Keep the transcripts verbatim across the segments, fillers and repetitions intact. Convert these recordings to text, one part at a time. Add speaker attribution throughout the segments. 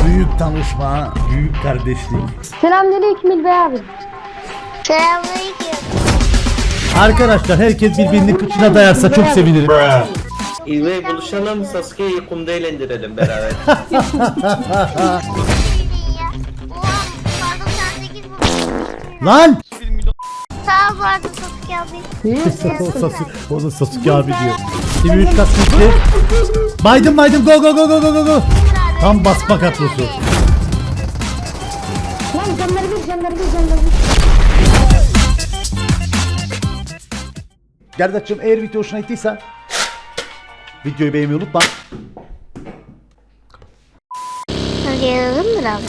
Speaker 1: büyük tanışma, büyük kardeşlik.
Speaker 2: Selamünaleyküm İlbey abi.
Speaker 3: Selamünaleyküm.
Speaker 1: Arkadaşlar herkes birbirinin kıçına dayarsa çok sevinirim.
Speaker 4: İlmeği buluşalım, Sasuke'yi kumda eğlendirelim beraber.
Speaker 3: Oha, pardon sen sekiz bu.
Speaker 1: Lan!
Speaker 3: Sağ ol pardon Sasuke abi.
Speaker 1: o, Sasuke, o da Sasuke abi diyor. Şimdi üç kat gitti. Baydım baydım, go go go go go go go. Tam basma kadrosu.
Speaker 2: Lan canları bir canları bir canları bir.
Speaker 1: Gerdaç'cığım eğer video hoşuna gittiyse videoyu beğenmeyi unutma.
Speaker 3: Hadi yazalım mı abi?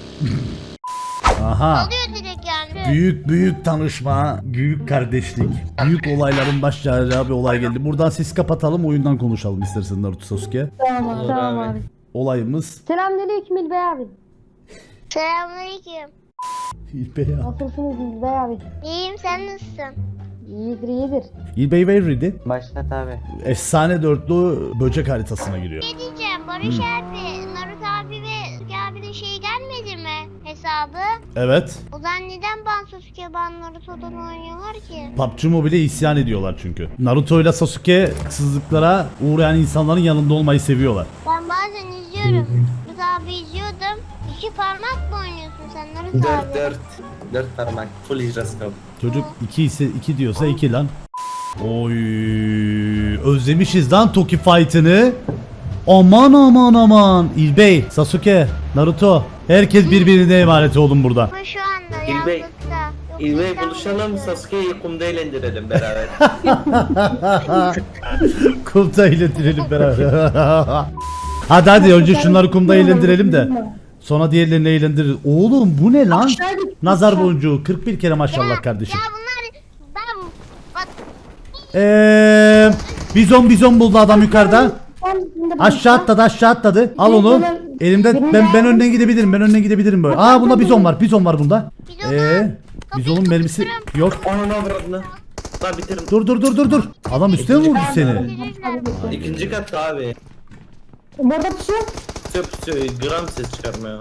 Speaker 1: Aha.
Speaker 3: Oluyor direkt yani.
Speaker 1: Büyük büyük tanışma, büyük kardeşlik, büyük olayların başlayacağı bir olay geldi. Buradan siz kapatalım, oyundan konuşalım istersen Naruto Sasuke.
Speaker 2: Tamam abi.
Speaker 4: Olur
Speaker 2: Tamam
Speaker 4: abi.
Speaker 2: abi.
Speaker 1: Olayımız
Speaker 2: Selamünaleyküm İlbey abi.
Speaker 3: Selamünaleyküm.
Speaker 1: İlbey ya.
Speaker 2: Nasılsınız İlbey abi?
Speaker 3: İyiyim, sen nasılsın?
Speaker 2: İyidir iyidir.
Speaker 1: İlbey Veyridi
Speaker 5: Başlat abi.
Speaker 1: efsane dörtlü böcek haritasına giriyor.
Speaker 3: Ne diyeceğim Barış abi, Naruto abi ve Sasuke abinin şeyi gelmedi mi hesabı?
Speaker 1: Evet.
Speaker 3: O zaman neden ben Sasuke ben Naruto'dan oynuyorlar ki?
Speaker 1: P U B G Mobile'e isyan ediyorlar çünkü. Naruto ile Sasuke haksızlıklara uğrayan insanların yanında olmayı seviyorlar.
Speaker 3: Ben bazen izliyorum. Naruto abi izliyordum. İki parmak mı oynuyorsun sen Naruto
Speaker 4: Dört
Speaker 3: abi?
Speaker 4: dört. Dört parmak. Full ijraskop.
Speaker 1: Çocuk iki ise iki diyorsa iki lan. Oy, özlemişiz lan Toki fight'ını. Aman aman aman. İlbey, Sasuke, Naruto, herkes birbirine emanet olun burada.
Speaker 3: Ama şu anda
Speaker 4: İlbey,
Speaker 3: yalnızlıkta. Yok,
Speaker 4: İlmeği
Speaker 3: İstanbul'da
Speaker 4: buluşalım,
Speaker 3: yok.
Speaker 4: Sasuke'yi kumda eğlendirelim beraber.
Speaker 1: Kumda eğlendirelim beraber. Hadi hadi önce şunları kumda eğlendirelim de sonra diğerlerini eğlendiririz. Oğlum bu ne lan? Nazar boncuğu kırk bir kere maşallah kardeşim.
Speaker 3: Ya bunlar ben bak
Speaker 1: Eee bizon bizon buldu adam yukarıda.
Speaker 2: Ben şimdi
Speaker 1: Aşağı atladı aşağı atladı. Al onu. Elimden ben ben önden gidebilirim. Ben önden gidebilirim böyle. Aa bunda bizon var. Bizon var bunda. Eee bizonun mermisi yok.
Speaker 4: Onun avradını. Lan bitirin.
Speaker 1: Dur dur dur dur dur. Adam üstüne mi vurdu seni?
Speaker 4: İkinci katta abi.
Speaker 2: Burada pusuyor.
Speaker 4: Söp söp gram ses çıkarmıyor.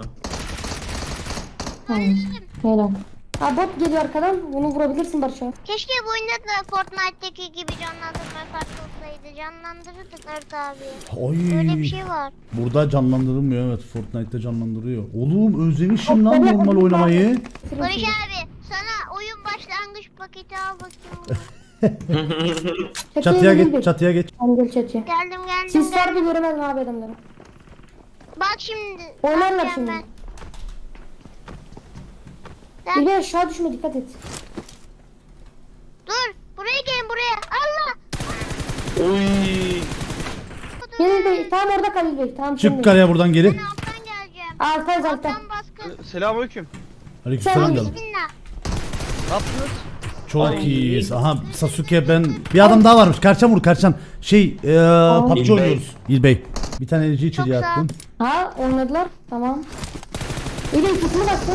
Speaker 2: Helal. Ha bot geliyor arkadan. Bunu vurabilirsin Barış abi.
Speaker 3: keşke bu oyunda da Fortnite'daki gibi canlandırma farklı olsaydı. Canlandırırdık Naruto abi. Böyle bir
Speaker 1: Ay.
Speaker 3: şey var.
Speaker 1: Burada canlandırılmıyor evet. Fortnite'te canlandırıyor. Oğlum özlemişim lan normal oynamayı.
Speaker 3: Barış abi sana oyun başlangıç paketi al bakayım.
Speaker 1: Çatıya geç, çatıya geç.
Speaker 2: Tamam gel çatıya.
Speaker 3: Geldim geldim
Speaker 2: Siz
Speaker 3: geldim.
Speaker 2: harbi göremedim abi adamları.
Speaker 3: Bak şimdi.
Speaker 2: Oynarlar
Speaker 3: yapacağım
Speaker 2: şimdi.
Speaker 3: ben. Sen-
Speaker 2: İlbey aşağı düşme dikkat et.
Speaker 3: Dur. Buraya gelin buraya. Allah.
Speaker 4: Oy.
Speaker 2: Gel İlbey. Tamam orada kal İlbey. Tamam
Speaker 1: Çık
Speaker 2: şimdi.
Speaker 1: karaya buradan geri.
Speaker 3: Ben alttan geleceğim.
Speaker 2: Altay zaten.
Speaker 3: Alttan baskın.
Speaker 6: Selamünaleyküm.
Speaker 1: Aleykümselam canım.
Speaker 3: Bismillah.
Speaker 6: Ne yaptınız?
Speaker 1: Çok iyiyiz. Aha Sasuke ben bir adam daha varmış. Karçan vur Karçan. Şey eee P U B G
Speaker 4: İlbey.
Speaker 1: oynuyoruz. İlbey. Bir tane enerji içeriye
Speaker 3: Çok sağ ol.
Speaker 1: attım.
Speaker 2: Ha oynadılar. Tamam. İlbey ikisini baksın.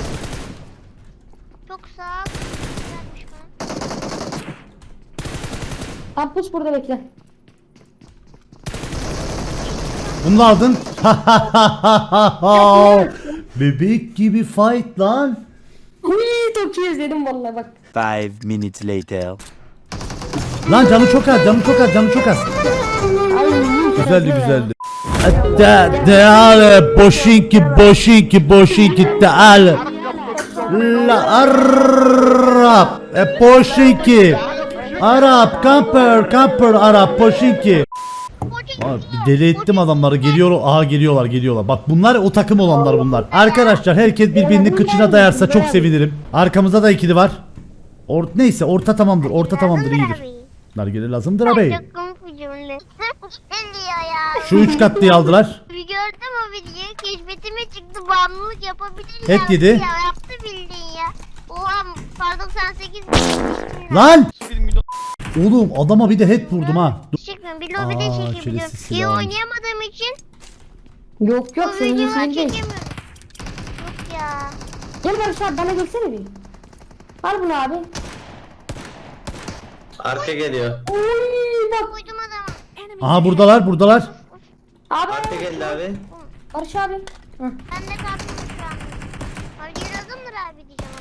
Speaker 3: Çok sağ ol. Güzelmiş bana.
Speaker 2: Kampus burada bekle.
Speaker 1: Bunu da aldın. Bebek gibi fight lan.
Speaker 2: Uy çok iyi izledim vallahi bak.
Speaker 5: Five minutes later.
Speaker 1: Lan canı çok az, canı çok az, canı çok az.
Speaker 2: Ay
Speaker 1: Güzeldi güzeldi. Da deale boşinki boşinki boşinki deale. La Arap e boşinki. Arap kamper kamper Arap boşinki. Abi bir deli ettim adamları geliyor aha geliyorlar geliyorlar bak bunlar o takım olanlar bunlar arkadaşlar herkes birbirinin kıçına dayarsa çok sevinirim arkamızda da ikili var Or neyse orta tamamdır orta tamamdır iyidir nargile lazımdır abi
Speaker 3: Çok komik bir cümle. Geliyor ya.
Speaker 1: şu üç katlıyı aldılar
Speaker 3: Bir gördüm o videoyu. Keşfetime çıktı. Bağımlılık yapabilir
Speaker 1: Et yedi.
Speaker 3: Ya yaptı bildiğin ya. Oha pardon sen sekiz.
Speaker 1: lan oğlum adama bir de head vurdum ha Dur.
Speaker 3: Çekmiyorum. Bir lobide
Speaker 1: Aa,
Speaker 3: çekebiliyorum.
Speaker 1: çelesiz
Speaker 3: İyi
Speaker 1: silah almış.
Speaker 3: oynayamadığım için
Speaker 2: Yok yok
Speaker 3: bu
Speaker 2: senin
Speaker 3: videoyu
Speaker 2: iyisini değil.
Speaker 3: çekemiyorum. Yok ya.
Speaker 2: Gel Barış abi bana gelsene bir. Al bunu abi.
Speaker 4: Arka geliyor.
Speaker 2: Uy bak.
Speaker 3: Koydum adamı.
Speaker 1: Aha buradalar buradalar
Speaker 2: Abi.
Speaker 4: Arka geldi abi.
Speaker 2: Barış abi. Hı.
Speaker 3: Ben de kalktım şu an. Harbi yazımdır abi diyeceğim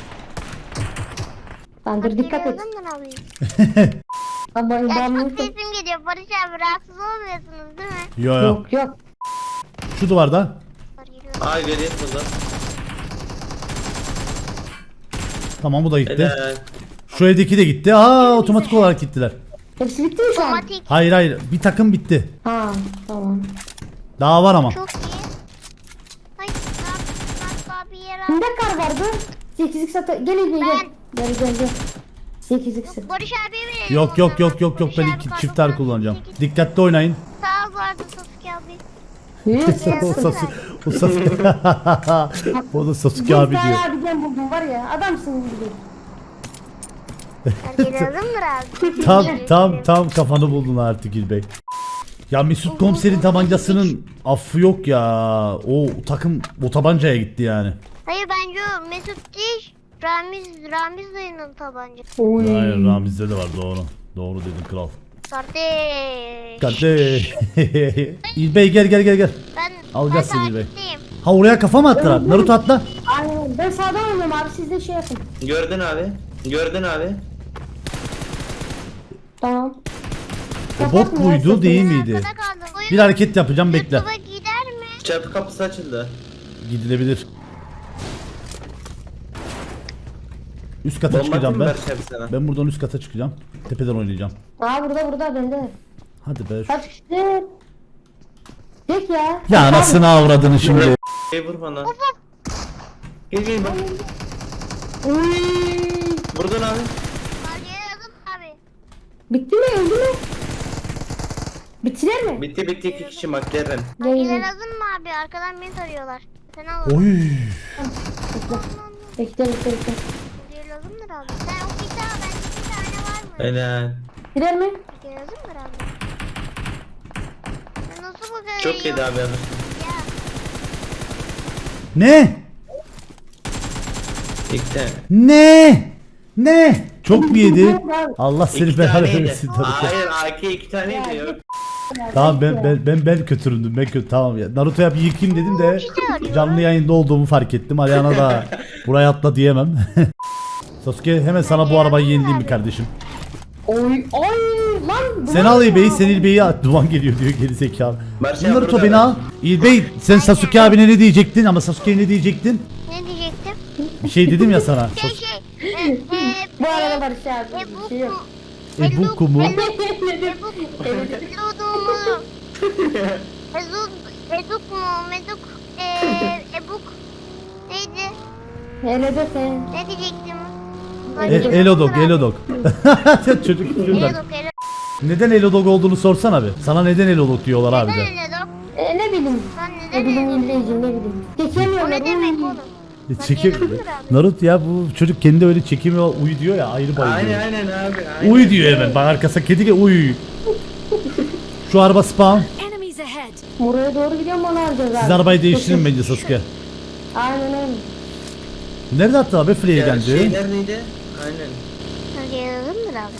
Speaker 3: adamı.
Speaker 2: Bandır dikkat et.
Speaker 3: Yazımdır abi.
Speaker 2: Ama
Speaker 3: Ya
Speaker 2: ben
Speaker 3: çok
Speaker 2: bunu...
Speaker 3: sesim geliyor Barış abi, rahatsız olmuyorsunuz değil mi?
Speaker 1: Yo yo.
Speaker 2: Yok yok.
Speaker 1: Şu duvarda.
Speaker 3: Var, geliyor.
Speaker 4: Aa göreyim burada.
Speaker 1: Tamam bu da gitti.
Speaker 4: Helal.
Speaker 1: Şu evdeki de gitti. Aa otomatik olarak gittiler.
Speaker 2: Hepsi bitti mi şu an?
Speaker 3: Otomatik.
Speaker 1: Hayır hayır bir takım bitti.
Speaker 2: Ha tamam.
Speaker 1: Daha var ama.
Speaker 3: Çok iyi. Ay Nark abi yer al.
Speaker 2: Kimde kar vardı? sekizlik sata... Gel İlmi gel. Gel gel gel. sekizlik sat.
Speaker 3: Barış abiye verelim.
Speaker 1: Yok
Speaker 3: o
Speaker 1: yok
Speaker 3: zaman.
Speaker 1: yok yok yok
Speaker 3: Barış
Speaker 1: ben
Speaker 3: abi
Speaker 1: iki
Speaker 3: kartı
Speaker 1: çiftler
Speaker 3: sen
Speaker 1: kullanacağım.
Speaker 3: sekiz.
Speaker 1: Dikkatli oynayın.
Speaker 3: Sağ ol vardı Sasuke abi.
Speaker 1: o Sasuke, o Sasuke, o da Sasuke abi
Speaker 2: Bir tane
Speaker 1: diyor.
Speaker 2: abi ben buldum var ya. Adamsın gibi.
Speaker 3: Herkes yazımdır abi.
Speaker 1: Tam tam tam kafanı buldun artık İlbey. Ya Mesut Komiser'in tabancasının affı yok ya. O takım o tabancaya gitti yani.
Speaker 3: Hayır bence o Mesut değil. Ramiz, Ramiz dayının tabancası.
Speaker 2: Oy.
Speaker 1: Hayır Ramiz'de de var doğru. Doğru dedin kral.
Speaker 3: Kardeş.
Speaker 1: Kardeş. İlbey gel gel gel gel.
Speaker 3: Ben,
Speaker 1: Alacağız
Speaker 3: ben
Speaker 1: seni be.
Speaker 3: takipteyim.
Speaker 1: Ha oraya kafa mı attılar? Naruto atla.
Speaker 2: Aynen. Ben sağdan oynuyorum abi. Siz de şey yapın.
Speaker 4: Gördün abi. Gördün abi.
Speaker 2: Tamam.
Speaker 1: O bot
Speaker 2: Kapatmıyor,
Speaker 1: muydu
Speaker 2: sesini.
Speaker 1: değil
Speaker 3: Ben
Speaker 1: miydi?
Speaker 3: arkada kaldım. Bu
Speaker 1: Bir hareket yapacağım bekle.
Speaker 3: YouTube'a gider mi?
Speaker 4: Çatı kapısı açıldı.
Speaker 1: Gidilebilir. Üst kata
Speaker 4: Bomba
Speaker 1: çıkacağım
Speaker 4: kim
Speaker 1: ben.
Speaker 4: Barış abi sana?
Speaker 1: Ben buradan üst kata çıkacağım. Tepeden oynayacağım.
Speaker 2: Aa burada burada bende.
Speaker 1: Hadi be.
Speaker 2: Kaç kişi? Tek ya.
Speaker 1: Ya anasını avradını şimdi.
Speaker 4: Hey vur bana. Gel gel bak.
Speaker 2: Uy.
Speaker 4: Buradan abi.
Speaker 3: Margaya yazım abi.
Speaker 2: Bitti mi? Öldü mü? Bittiler mi?
Speaker 4: Bitti bitti iki kişi McLaren.
Speaker 3: Margaya
Speaker 2: Gel.
Speaker 3: yazım mı abi? Arkadan beni tarıyorlar. Sen al.
Speaker 1: Oy.
Speaker 2: Bekle bekle bekle.
Speaker 3: Margaya yazımdır abi. Sen o bir tane, bende bir tane var mı?
Speaker 4: Helal.
Speaker 2: Gider mi?
Speaker 3: Margaya yazımdır abi. Sen nasıl bu kadar
Speaker 4: Çok
Speaker 3: iyi
Speaker 4: yedi abi abi.
Speaker 3: Ya.
Speaker 1: Ne?
Speaker 4: İki tane.
Speaker 1: Ne? Ne? Çok mu yedi? Allah seni
Speaker 4: İki
Speaker 1: belanı
Speaker 4: taneydi.
Speaker 1: versin tabii ki.
Speaker 4: Hayır A K iki taneydi yok.
Speaker 1: Tamam ben ben ben ben kötüründüm. Ben kötü tamam ya. Naruto'ya bir yıkayım dedim de canlı yayında olduğumu fark ettim. Ariana da buraya atla diyemem. Sasuke hemen sana bu arabayı yenileyim mi kardeşim?
Speaker 2: Oy oy lan.
Speaker 1: Sen al İlbey'i, sen İlbey'i at. Duman geliyor diyor geri zekalı.
Speaker 4: Barış abi
Speaker 1: Naruto
Speaker 4: burada
Speaker 1: beni
Speaker 4: ben.
Speaker 1: al. İlbey sen Sasuke abine ne diyecektin ama Sasuke'ye ne diyecektin?
Speaker 3: Ne diyecektim?
Speaker 1: Bir şey dedim ya sana.
Speaker 3: Şey şey. E, e,
Speaker 2: Bu arada
Speaker 3: e,
Speaker 2: Barış abi.
Speaker 3: e,
Speaker 2: Bir şey yok.
Speaker 1: Ebuku mu?
Speaker 3: Eduk mu? Ezuk, Eduk mu? Meduk, eee, Ebuk neydi?
Speaker 2: Hele de sen.
Speaker 3: Ne diyecektim?
Speaker 1: E, Elodog, Elodog. Çocuk şuradan.
Speaker 3: Elodog, Elodog.
Speaker 1: Neden Elodog olduğunu sorsana bir. Sana neden Elodog diyorlar abi
Speaker 3: Neden
Speaker 1: de.
Speaker 3: Elodog?
Speaker 2: E, ne bileyim.
Speaker 3: Ben
Speaker 2: Ne
Speaker 3: neden
Speaker 2: bileyim
Speaker 3: Elodog?
Speaker 2: İlbeyciğim ne bileyim.
Speaker 3: O
Speaker 2: Geçemiyorlar.
Speaker 3: ne demek
Speaker 2: Uy.
Speaker 3: oğlum?
Speaker 1: E, Çekim. Naruto ya bu çocuk kendi öyle çekemiyor. Uy diyor ya ayrı bayılıyor.
Speaker 4: Aynen aynen abi. Aynen.
Speaker 1: Uy diyor hemen. Bak arkasına kedi gel uy. Şu araba spawn.
Speaker 6: Enemies ahead.
Speaker 2: Buraya doğru gidiyorum onu alacağız abi.
Speaker 1: Siz arabayı değiştirin bence Sasuke.
Speaker 2: Aynen öyle.
Speaker 1: Nerede attı abi Free
Speaker 4: Ya,
Speaker 1: geldi?
Speaker 4: şey neredeydi? Aynen.
Speaker 3: Hadi yazalım mı abi?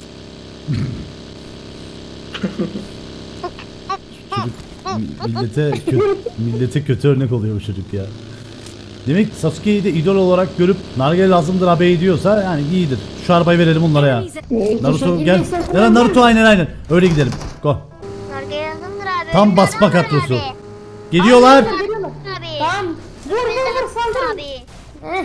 Speaker 1: Çocuk mi- millete kötü, millete kötü örnek oluyor bu çocuk ya. Demek Sasuke'yi de idol olarak görüp Nargile lazımdır abi diyorsa yani iyidir. Şu arabayı verelim onlara ya.
Speaker 6: Enemies ahead.
Speaker 2: E,
Speaker 1: Naruto
Speaker 2: teşekkür
Speaker 1: gel.
Speaker 2: ederim.
Speaker 1: Ya Naruto aynen aynen. Öyle gidelim. Go.
Speaker 3: Nargile yazımdır abi.
Speaker 1: Tam
Speaker 3: Önünde
Speaker 1: basma
Speaker 3: adam var
Speaker 1: kadrosu.
Speaker 3: abi.
Speaker 1: Geliyorlar.
Speaker 2: Geliyorlar.
Speaker 3: Abi.
Speaker 2: Tamam. Vur vur vur saldırın.
Speaker 3: Abi.
Speaker 2: Heh.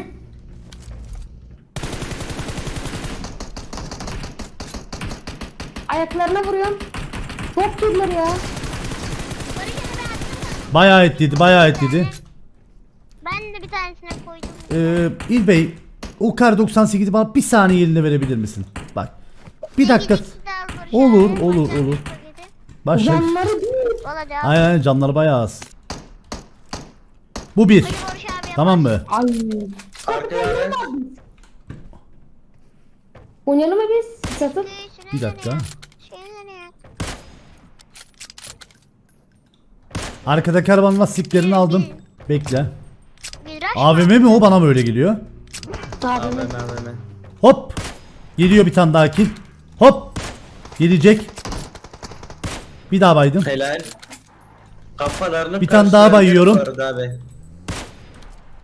Speaker 2: Ayaklarına vuruyorum. Çok kirler ya.
Speaker 3: Barış abi attın mı?
Speaker 1: Bayağı etliydi, bayağı etliydi.
Speaker 3: Ben de bir tanesine koydum.
Speaker 1: Ee, İlbey, o kar doksan sekizi bana bir saniye eline verebilir misin? Bak. Bir dakika. Olur, olur, olur. Başla.
Speaker 2: Canları değil.
Speaker 3: Valla devam.
Speaker 1: Aynen aynen canları bayağı az. Bu bir.
Speaker 3: Hadi Barış abi.
Speaker 1: Tamam mı?
Speaker 2: Ay.
Speaker 4: Arkaya araç.
Speaker 2: Oynayalım mı biz? Satıp.
Speaker 1: Bir dakika.
Speaker 3: Şey nereye?
Speaker 1: Arkadaki arabanın lastiklerini aldım. Bekle.
Speaker 3: Miraç
Speaker 1: A V M mi o bana mı öyle geliyor?
Speaker 2: Abi.
Speaker 4: Abi hemen hemen.
Speaker 1: Hop. Geliyor bir tane daha kill. Hop. Gelecek. Bir daha baydım.
Speaker 4: Helal. Kafalarını
Speaker 1: Bir tane daha
Speaker 4: karşılarına
Speaker 1: bayıyorum.
Speaker 4: bu arada Abi.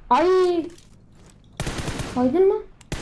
Speaker 2: Ay. Kaydın mı?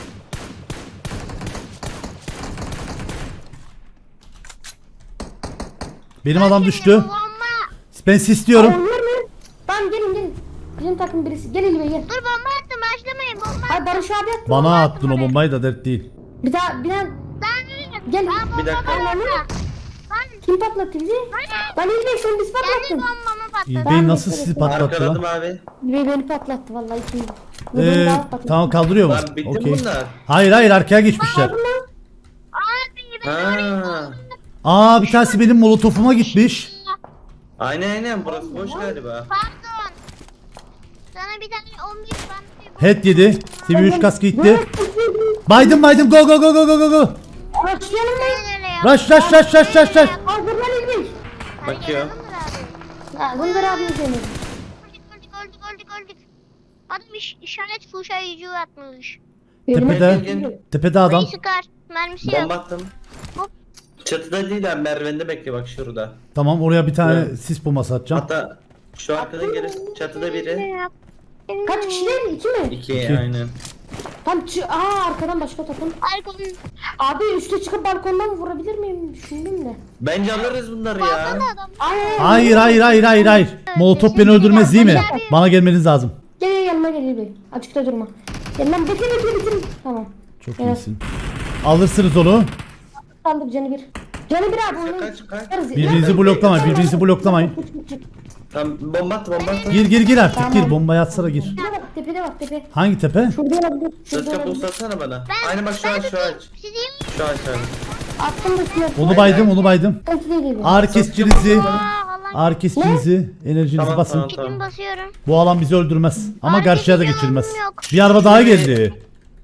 Speaker 1: Benim adam düştü.
Speaker 3: Bomba.
Speaker 1: Ben istiyorum.
Speaker 2: Ay, var mı? Tamam gelin gelin. Bizim takım birisi. Gel İlbey gel.
Speaker 3: Dur bomba attım başlamayın bomba.
Speaker 2: Ay Barış abi attı.
Speaker 1: Bana attın o bombayı da dert değil.
Speaker 2: Bir daha bir daha.
Speaker 3: Ben
Speaker 2: Gel.
Speaker 3: Ben
Speaker 4: Bir dakika.
Speaker 3: bomba
Speaker 2: Ben kim patlattı bizi? Ben İlbey sen biz
Speaker 3: Kendi
Speaker 2: patlattın.
Speaker 3: bombamı patladı.
Speaker 1: İlbey nasıl sizi patlattı
Speaker 4: Arkaladım
Speaker 1: lan?
Speaker 4: abi.
Speaker 2: İlbey beni patlattı vallahi kim?
Speaker 1: Ee, tamam kaldırıyor mu?
Speaker 4: Lan bitti mi
Speaker 1: Okey.
Speaker 4: bunlar?
Speaker 1: Hayır hayır arkaya geçmişler.
Speaker 3: Abi ben
Speaker 4: Ha.
Speaker 1: Aa bir tanesi benim molotofuma gitmiş.
Speaker 4: Aynen aynen burası boş galiba.
Speaker 3: Pardon. Sana bir tane on bir ben
Speaker 1: Head yedi. Seviye üç kask gitti. Baydım baydım go go go go go go go.
Speaker 2: Başlayalım mı?
Speaker 1: Rush rush rush rush rush rush.
Speaker 2: Hazır lan İlbey.
Speaker 4: Bakıyor.
Speaker 2: Ha Gündür abi seni.
Speaker 3: Öldük öldük öldük öldük. Adam iş, işaret fuşayıcı atmış.
Speaker 1: Tepede.
Speaker 4: Gel, gel.
Speaker 1: Tepede adam.
Speaker 3: Beni sıkar. Mermisi yok.
Speaker 4: Bomba attım.
Speaker 3: Hop.
Speaker 4: Çatıda değil abi merdivende bekle bak şurada.
Speaker 1: Tamam oraya bir tane
Speaker 4: Evet.
Speaker 1: sis bombası atacağım.
Speaker 4: Hatta şu arkadan geri çatıda biri.
Speaker 2: Kaç kişi değil mi? İki mi?
Speaker 4: İki,
Speaker 1: İki.
Speaker 4: aynen.
Speaker 2: Tam çı Aa arkadan başka takım.
Speaker 3: Arkamın.
Speaker 2: Abi üste çıkıp balkondan vurabilir miyim? Düşündüm de.
Speaker 4: Bence alırız bunları ya.
Speaker 3: Balkonda adam.
Speaker 2: Ay,
Speaker 1: Hayır hayır hayır hayır hayır. Molotof beni öldürmez değil mi? Bana gelmeniz lazım.
Speaker 2: Gel gel yanıma gel İlbey. Açıkta durma. Gel lan bekle bekle bekle. Tamam.
Speaker 1: Çok
Speaker 2: Evet.
Speaker 1: iyisin. Alırsınız onu.
Speaker 2: Kaldık canı bir. Canı bir abi. onu
Speaker 4: Kaç, kaç.
Speaker 2: yaparız.
Speaker 1: Birbirinizi
Speaker 2: Ya-
Speaker 1: bloklamayın. Birbirinizi bloklamayın.
Speaker 4: Tam bomba attı bomba attı.
Speaker 1: Gir gir gir artık
Speaker 2: Tamam.
Speaker 1: gir. Bombayı atsana gir.
Speaker 2: Tepede bak tepede bak tepe.
Speaker 1: Hangi tepe?
Speaker 2: Şurada olabilir.
Speaker 4: Sırt
Speaker 2: Şurada
Speaker 4: kapı
Speaker 2: olabilir.
Speaker 4: uzatsana bana.
Speaker 3: Ben,
Speaker 4: Aynen bak şu
Speaker 3: ben
Speaker 4: ağaç şu
Speaker 3: tutayım.
Speaker 4: ağaç.
Speaker 3: Siz iyi mi?
Speaker 4: Şu ağaç abi.
Speaker 2: Attım da üstüne.
Speaker 1: Onu baydım onu baydım.
Speaker 2: Sıkıntı değil İlbey.
Speaker 1: Ağrı kesicinizi.
Speaker 3: Aa Allah.
Speaker 1: Ağrı kesicinizi. Enerjinizi
Speaker 4: Tamam,
Speaker 1: basın.
Speaker 4: tamam.
Speaker 3: Kim basıyorum?
Speaker 1: Bu alan bizi öldürmez. Ama
Speaker 3: Ağrı
Speaker 1: karşıya da
Speaker 3: kesici
Speaker 1: geçirmez.
Speaker 3: alanım yok.
Speaker 1: Bir araba daha geldi.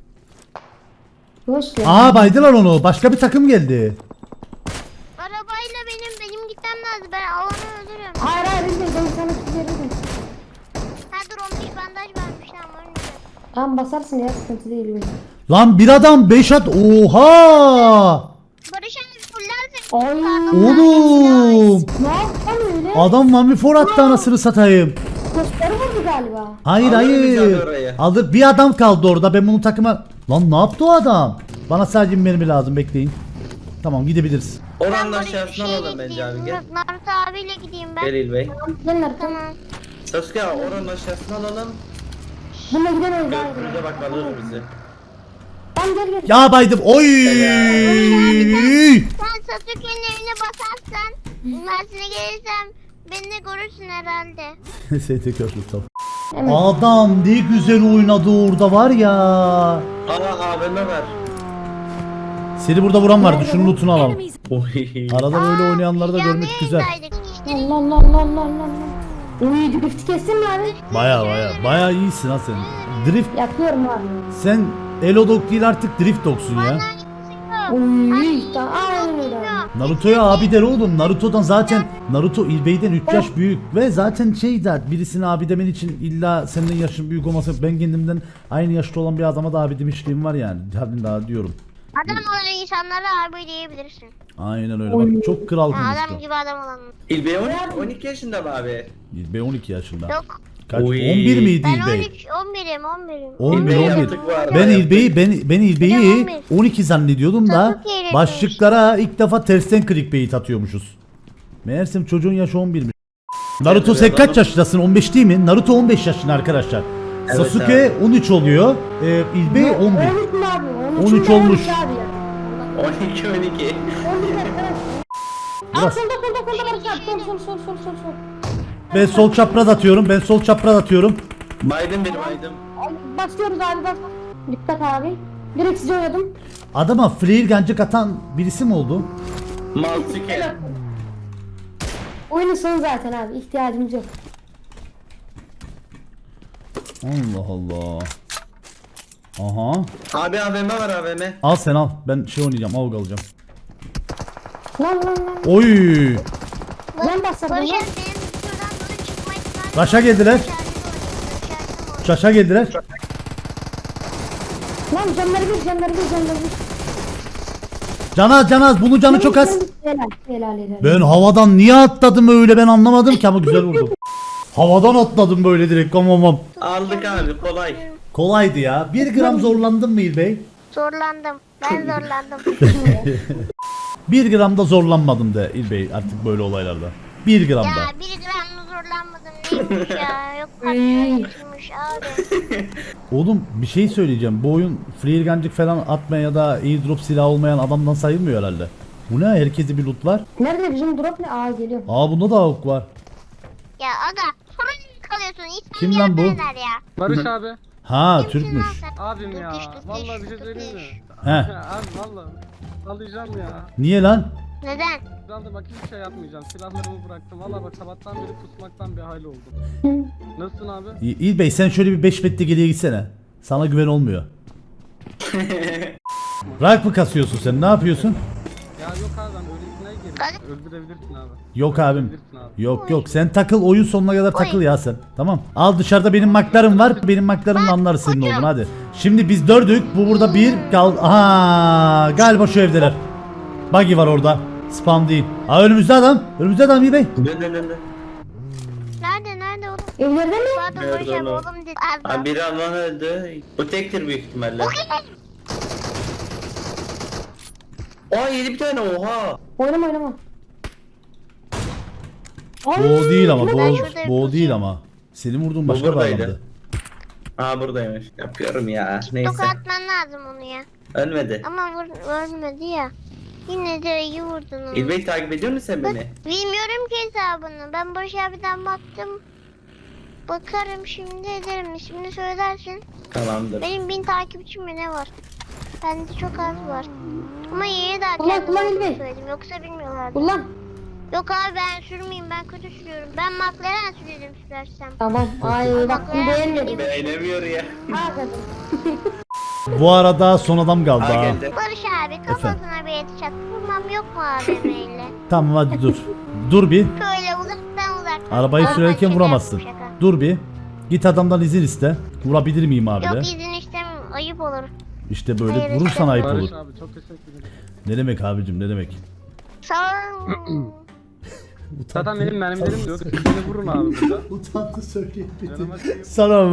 Speaker 2: Boş ya.
Speaker 1: Aa baydılar onu. Başka bir takım geldi.
Speaker 3: Arabayla benim benim gitmem lazım. Ben alanı öldürüyorum.
Speaker 2: Hayır hayır İlbey ben sana bir veririm.
Speaker 3: Ha dur on bir bandaj vermiş lan var mı?
Speaker 2: Tamam basarsın ya sıkıntı değil İlbey.
Speaker 1: Lan bir adam beş at. Oha!
Speaker 3: Barış abi fullersin.
Speaker 2: Ay.
Speaker 1: Oğlum!
Speaker 2: Ne yaptın öyle?
Speaker 1: Adam Mamifor attı anasını satayım.
Speaker 2: Gösteri vurdu galiba.
Speaker 1: Hayır
Speaker 4: Alır bizi
Speaker 1: hayır.
Speaker 4: abi oraya.
Speaker 1: Alır bir adam kaldı orada. Ben bunu takıma... Lan ne yaptı o adam? Bana sadece bir mermi lazım bekleyin. Tamam gidebiliriz.
Speaker 4: Oranın
Speaker 3: Barış
Speaker 4: aşağısına
Speaker 3: şey
Speaker 4: alalım bence abi gel.
Speaker 3: Naruto abiyle gideyim ben.
Speaker 4: Gel İlbey.
Speaker 2: Gelin arkadaşlar.
Speaker 3: Tamam.
Speaker 4: Sasuke abi oranın aşağısına alalım.
Speaker 2: Bununla gidemeyiz hayır.
Speaker 4: Gökyüzüne bak alır bizi.
Speaker 2: Tamam gel gel.
Speaker 1: Ya baydım. Oy!
Speaker 3: Sen Sasuke'nin evine basarsan Mersin'e gelirsem beni de görürsün herhalde.
Speaker 1: S T köprü tamam.
Speaker 2: Evet.
Speaker 1: Adam ne güzel oynadı orada var ya.
Speaker 4: Aa A V M ver.
Speaker 1: Seni burada vuran vardı. Şunun lootunu alalım.
Speaker 4: Oy.
Speaker 1: Arada böyle oynayanları da
Speaker 3: Canlı
Speaker 1: görmek güzel.
Speaker 3: yayındaydık. İşte
Speaker 2: Allah Allah Allah Allah Allah. Uy drift kestin mi abi?
Speaker 1: Baya baya baya iyisin ha sen. Drift
Speaker 2: Yapıyorum abi.
Speaker 1: sen Elodog değil artık Drift Dog'sun ya.
Speaker 2: Uy tamam aynen öyle abi.
Speaker 1: Naruto'ya abi der oğlum. Naruto'dan zaten Naruto İlbey'den üç yaş büyük ve zaten şey der birisine abi demen için illa senden yaşın büyük olması ben kendimden aynı yaşta olan bir adama da abi demişliğim var yani. Hadi daha diyorum.
Speaker 3: Adam olan insanlara abi diyebilirsin.
Speaker 1: Aynen öyle bak çok kral
Speaker 3: Ha, adam
Speaker 1: konuştu.
Speaker 3: gibi adam olan.
Speaker 4: İlbey on iki, on iki yaşında mı abi?
Speaker 1: İlbey on iki yaşında.
Speaker 3: Yok.
Speaker 1: Kaç?
Speaker 4: Oy.
Speaker 1: on bir miydi
Speaker 3: Ben on
Speaker 1: İlbey?
Speaker 3: üç, on birim, on birim.
Speaker 1: on bir
Speaker 4: İlbey
Speaker 1: on bir.
Speaker 4: yaptık bu arada.
Speaker 1: Ben
Speaker 4: yaptık.
Speaker 1: İlbey'i ben ben İlbey'i
Speaker 3: Ben on
Speaker 1: on iki zannediyordum da
Speaker 3: Çabuk eğlenmiş.
Speaker 1: başlıklara ilk defa tersten clickbait atıyormuşuz. Meğersem çocuğun yaşı on birmiş. Naruto sen kaç yaşındasın? on beş değil mi? Naruto on beş yaşında arkadaşlar.
Speaker 4: Evet
Speaker 1: Sasuke on üç oluyor. Ee, İlbey on bir.
Speaker 2: on üç mü abi?
Speaker 1: on üç olmuş.
Speaker 2: Abi ya.
Speaker 4: on iki on iki.
Speaker 2: on üç arkadaş. Aa
Speaker 1: Biraz.
Speaker 2: solda solda solda Barış abi. Sol sol sol sol sol sol.
Speaker 1: Ben sol çapraz atıyorum. Ben sol çapraz atıyorum.
Speaker 4: Biden benim Biden.
Speaker 2: Ay, Başlıyoruz abi bak. Dikkat abi. Direkt size oynadım.
Speaker 1: Adama flare gancık atan birisi mi oldu?
Speaker 4: Maltike.
Speaker 2: Oyunun sonu zaten abi. İhtiyacımız yok.
Speaker 1: Allah Allah. Aha.
Speaker 4: Abi A V M var A V M.
Speaker 1: Al sen al. Ben şey oynayacağım. Avg alacağım.
Speaker 2: Lan lan lan.
Speaker 1: Oy.
Speaker 2: Ben basarım
Speaker 3: Barış
Speaker 2: lan.
Speaker 3: abi benim şuradan doğru çıkma ihtimali.
Speaker 1: Başa geldiler. Şaşa geldiler.
Speaker 2: Lan canları bir canları bir canları bir.
Speaker 1: Canaz canaz. Bunun canı çok az.
Speaker 2: Helal helal helal.
Speaker 1: Ben havadan niye atladım öyle ben anlamadım ki ama güzel vurdum. Havadan atladım böyle direkt amamam.
Speaker 4: Aldık abi kolay.
Speaker 1: Kolaydı ya. Bir gram zorlandın mı İlbey?
Speaker 3: Zorlandım. Ben zorlandım.
Speaker 1: Bir gram da zorlanmadım de İlbey artık böyle olaylarda. Bir gram
Speaker 3: ya
Speaker 1: da.
Speaker 3: bir gram zorlanmadım neymiş ya. Yok kaçırmış abi.
Speaker 1: Oğlum bir şey söyleyeceğim. Bu oyun freelgancık falan atmayan ya da airdrop silah olmayan adamdan sayılmıyor herhalde. Bu ne? Herkeste bir loot var.
Speaker 2: Nerede bizim drop ne? Aa geliyor.
Speaker 1: Aa bunda da avuk var.
Speaker 3: Ya aga sonra mı kalıyorsun? İsmini
Speaker 1: Kim lan bu?
Speaker 3: yazarlar ya.
Speaker 6: Barış abi.
Speaker 1: Ha
Speaker 3: Kimsin
Speaker 1: Türkmüş.
Speaker 3: lan sen?
Speaker 6: Abim ya.
Speaker 3: Kıkış, kıkış,
Speaker 6: Vallahi bir şey söyleyeyim mi?
Speaker 3: kıkış.
Speaker 1: He.
Speaker 6: Abi vallahi. Alacağım ya.
Speaker 1: Niye lan?
Speaker 3: Neden?
Speaker 6: Ben de bak hiçbir şey yapmayacağım. Silahlarımı bıraktım. Vallahi bak sabahtan beri pusmaktan bir hal oldum. Nasılsın abi?
Speaker 1: İ- İlbey sen şöyle bir beş metre geriye gitsene. Sana güven olmuyor. Rank mı kasıyorsun sen? Ne yapıyorsun?
Speaker 6: Ya yok abi ben öylesine girdim. Öldürebilirsin abi.
Speaker 1: Yok abim.
Speaker 6: Öldürebilirsin abi.
Speaker 1: Yok yok sen takıl oyun sonuna kadar takıl ya sen. Tamam. Al dışarıda benim maklarım var. Benim maklarımla anlarız senin olduğunu hadi. Şimdi biz dördük. Bu burada bir kal. Aha galiba şu evdeler. Buggy var orada. Spam değil. Aa önümüzde adam. Önümüzde adam İlbey.
Speaker 4: Dön dön dön.
Speaker 3: Nerede nerede oğlum?
Speaker 2: Evlerde mi?
Speaker 3: Pardon
Speaker 4: Nerede
Speaker 3: Barış abi
Speaker 4: oğlum?
Speaker 3: oğlum dedi.
Speaker 4: Abi biri Alman öldü. Bu tektir büyük ihtimalle. Aa yedi bir tane oha.
Speaker 2: Oynama oynama.
Speaker 1: Bu o değil ama. Bu,
Speaker 3: Ben
Speaker 1: o-
Speaker 3: şurada
Speaker 1: bu o değil
Speaker 3: yapacağım.
Speaker 1: ama. Senin vurduğun
Speaker 4: Bu
Speaker 1: başka bir
Speaker 4: buradaydı.
Speaker 1: adamdı.
Speaker 4: Aa buradaymış. Yapıyorum ya. Neyse.
Speaker 3: Tokat atman lazım onu ya.
Speaker 4: Ölmedi.
Speaker 3: Ama vur, ölmedi ya. Yine de iyi vurdun onu.
Speaker 4: İlbey takip ediyor musun sen beni?
Speaker 3: Bilmiyorum ki hesabını. Ben Barış abiden baktım. Bakarım şimdi ederim. Şimdi söylersin.
Speaker 4: Tamamdır.
Speaker 3: Benim bin takipçim mi ne var? Bende çok az var. Ama yeni daha
Speaker 2: Kullan,
Speaker 3: kendim
Speaker 2: kullan
Speaker 3: olduğunu
Speaker 2: İlbey.
Speaker 3: söyledim. Yoksa bilmiyorlardı.
Speaker 2: Kullan.
Speaker 3: Yok abi ben sürmeyeyim. Ben kötü sürüyorum. Ben McLaren sürerim sürersem.
Speaker 2: Tamam. Ay bak bu beğenmedim.
Speaker 4: Beğenemiyor ya.
Speaker 2: Aa kadın.
Speaker 1: Bu arada son adam kaldı
Speaker 4: Aa
Speaker 1: ha.
Speaker 4: geldi.
Speaker 3: Barış abi kafasına bir headshot vurmam yok mu abimeyle?
Speaker 1: Tamam hadi dur. Dur bir.
Speaker 3: Şöyle uzaktan uzaktan.
Speaker 1: Arabayı
Speaker 3: Aa,
Speaker 1: sürerken
Speaker 3: şaka
Speaker 1: vuramazsın.
Speaker 3: yaptım, şaka.
Speaker 1: Dur bir. Git adamdan izin iste. Vurabilir miyim abi de?
Speaker 3: Yok izin istemem. Ayıp olur.
Speaker 1: İşte böyle
Speaker 3: Hayır,
Speaker 1: vurursan ayıp
Speaker 6: Barış
Speaker 1: olur.
Speaker 6: abi çok teşekkür ederim.
Speaker 1: Ne demek abicim ne demek?
Speaker 3: Sağ ol.
Speaker 6: Zaten benim mermilerim yok. Siz beni vurun abi burada.
Speaker 1: Utandı söyleyemedim.
Speaker 6: Canıma şey-
Speaker 1: Sana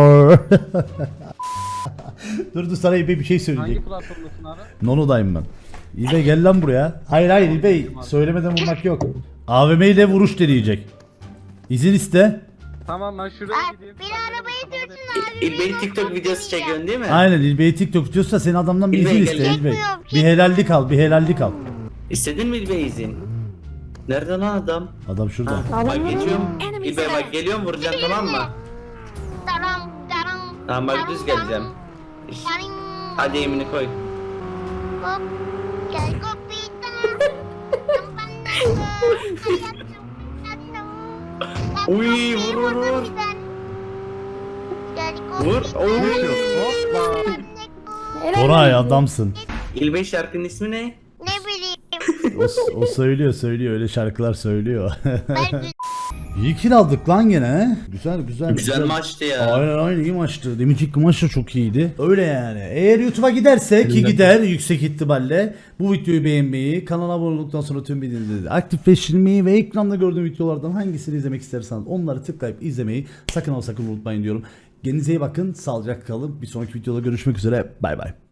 Speaker 1: Dur dur sana İlbey bir şey söyleyecek.
Speaker 6: Hangi platformdasın abi?
Speaker 1: Nono'dayım ben. İlbey gel lan buraya. Hayır hayır İlbey söylemeden vurmak yok. A V M ile vuruş deneyecek. İzin iste.
Speaker 6: Tamam ben şuraya
Speaker 3: Ay,
Speaker 6: gideyim.
Speaker 3: bir arabayı sürsün abi.
Speaker 4: İlbey TikTok videosu çekiyorsun değil mi?
Speaker 1: Aynen İlbey'i TikTok diyorsa senin adamdan bir
Speaker 4: İlbey
Speaker 1: izin
Speaker 4: gel.
Speaker 1: iste İlbey.
Speaker 3: Çekmiyorum,
Speaker 1: Bir helallik al bir helallik al.
Speaker 4: İstedin mi İlbey izin? Nerede lan adam?
Speaker 1: Adam şurada.
Speaker 4: Ha,
Speaker 2: Adam
Speaker 4: bak
Speaker 2: var
Speaker 4: geçiyorum.
Speaker 3: Enemy
Speaker 4: İlbey bak geliyorum vuracağım tamam mı?
Speaker 3: Taram taram.
Speaker 4: Tamam bak düz geleceğim. İş-
Speaker 3: Tarim.
Speaker 4: Hadi yemini koy.
Speaker 3: Hop. Gel kopita.
Speaker 4: Uy, vur, vur, vur.
Speaker 3: Gel
Speaker 4: Vur.
Speaker 3: kopita.
Speaker 4: Oy.
Speaker 6: Hoppa.
Speaker 2: Helal
Speaker 1: Koray
Speaker 2: olsun.
Speaker 1: adamsın.
Speaker 4: İlbey şarkının ismi ne?
Speaker 3: Ne bileyim.
Speaker 1: O, o söylüyor söylüyor öyle şarkılar söylüyor.
Speaker 3: Belki
Speaker 1: İyi kill aldık lan gene he. Güzel güzel.
Speaker 4: Güzel maçtı ya.
Speaker 1: Aynen aynen iyi maçtı. Deminki maç da çok iyiydi. Öyle yani. Eğer YouTube'a giderse ki gider yüksek ihtimalle bu videoyu beğenmeyi, kanala abone olduktan sonra tüm bildirimleri aktifleştirmeyi ve ekranda gördüğüm videolardan hangisini izlemek isterseniz onları tıklayıp izlemeyi sakın ama sakın unutmayın diyorum. Kendinize iyi bakın. Sağlıcakla kalın. Bir sonraki videoda görüşmek üzere. Bay bay.